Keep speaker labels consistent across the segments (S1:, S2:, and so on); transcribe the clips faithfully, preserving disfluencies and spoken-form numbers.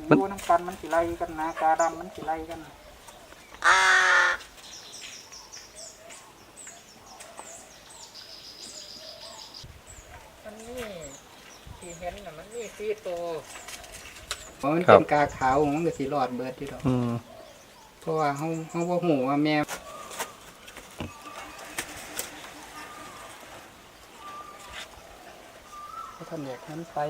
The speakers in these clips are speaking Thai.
S1: มันดูน้ำกันมันสิไล่กันนะกาดำมันสิไล่กันมันนี่ที่เห็นน่ะมันนี่สี่ตัวเพราะมันเป็นกาขาวมันก็สิรอดเบิดที่ดอกเพราะว่าเขาเขาบ่ฮู้ว่าแม่เขาทำแบบนั้นไป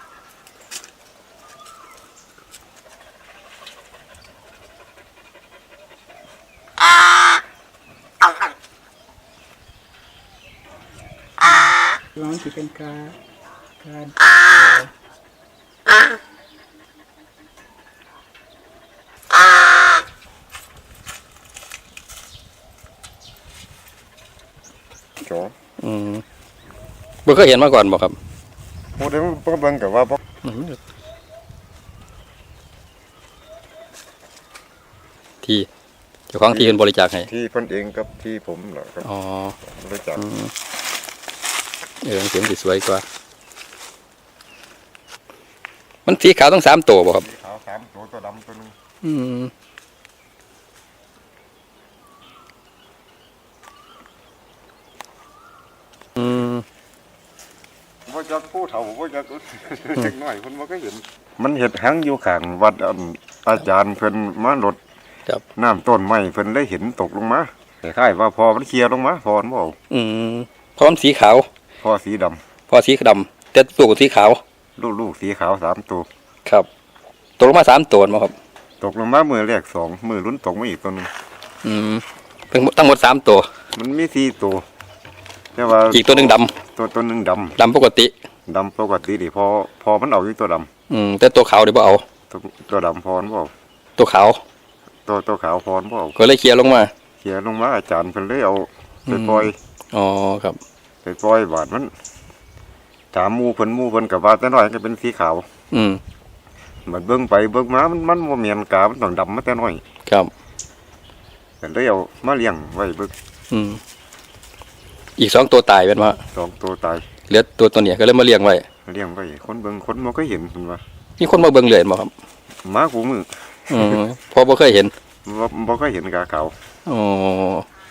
S1: ร้องสิเป็นกาการ
S2: จ๋อ
S3: อืมบ่เคยเห็นมาก่อนบ่ครับ
S2: โอ้เดี๋ยวบ่เบิ่งก็ว่าบ่
S3: ที่เจ้าของที่เพิ่นบริจาคให้
S2: ที่เพิ่นเองกับที่ผมเหรอครับ
S3: อ๋อบ
S2: ริจาค
S3: เออเสียงสิสวยกว่ามันสีขาวต้องสามตัวบ่ครับ
S2: ขาวสามตัวตัวดำตัวนึง
S3: อืมอืม
S2: บ่จักผู้เฒ่าบ่จักเด็กน้อยเพิ่นบ่เคยเห็นมันเฮ็ดหังอยู่ข้างวัดอาจารย์เพิ่นมารดน้ำต้นไม้เพิ่นเลยเห็นตกลงมาคล้ายๆว่าพอมันเคลียร์ลงมาพอมันบ่เอา
S3: อืมพร้อมสีขาว
S2: พอสีดำ
S3: พอสีดำแต่ตัวสีขาว
S2: ลูกๆสีขาวสามตัว
S3: ครับตกลงมาสามตัวมั้งครับ
S2: ตกลงมามือแรกสองมือลุ้นตกมาอีกตัวนึง
S3: อืมทั้งหมดสามตัว
S2: มันมีสี่ตัวแต่ว่า
S3: อีกตัวนึงด
S2: ำตัวตัวนึงดำ
S3: ดำปกติ
S2: ดำปกติดิพอพอมันเอาอยู่ตัวด
S3: ำอืมแต่ตัวขาวเดี๋ยวบ่เอา
S2: ตัวตัวดำพรบ่เอา
S3: ตัวขาว
S2: ตัวตัวขาวพรบ่เอา
S3: ก็เลยเคลียร์ลงมา
S2: เคลียร์ลงมาอาจารย์เพิ่นเลยเอาไปปล่อย
S3: อ๋อครับ
S2: ไปปล่อยบาดมันถามหมู่เพิ่นหมู่เพิ่นก็ว่าแต่น้อยก็เป็นสีขาว
S3: อืม
S2: มันเบิ่งไปเบิ่งมามันมันบ่แม่นกามันต้องดำมาแต่น้อย
S3: ครับ
S2: ก็เลยเอามาเลี้ยงไว้เบิ่ง
S3: อืมอีกสองตัวตายเป็นว่า
S2: สองตัวตาย
S3: เหลือตัวตัวเนี้ยก็เลยมาเลี้ยงไว้
S2: เลี้ยงไว้คนเบิ่งคนบ่เคยเห็นเพิ่นว่า
S3: มีคนมาเบิ่งเลยบ่ครับ
S2: มากูมือ
S3: อืมพอบ่เคยเห็น
S2: บ่บ่เคยเห็นกาขาว
S3: อ๋อ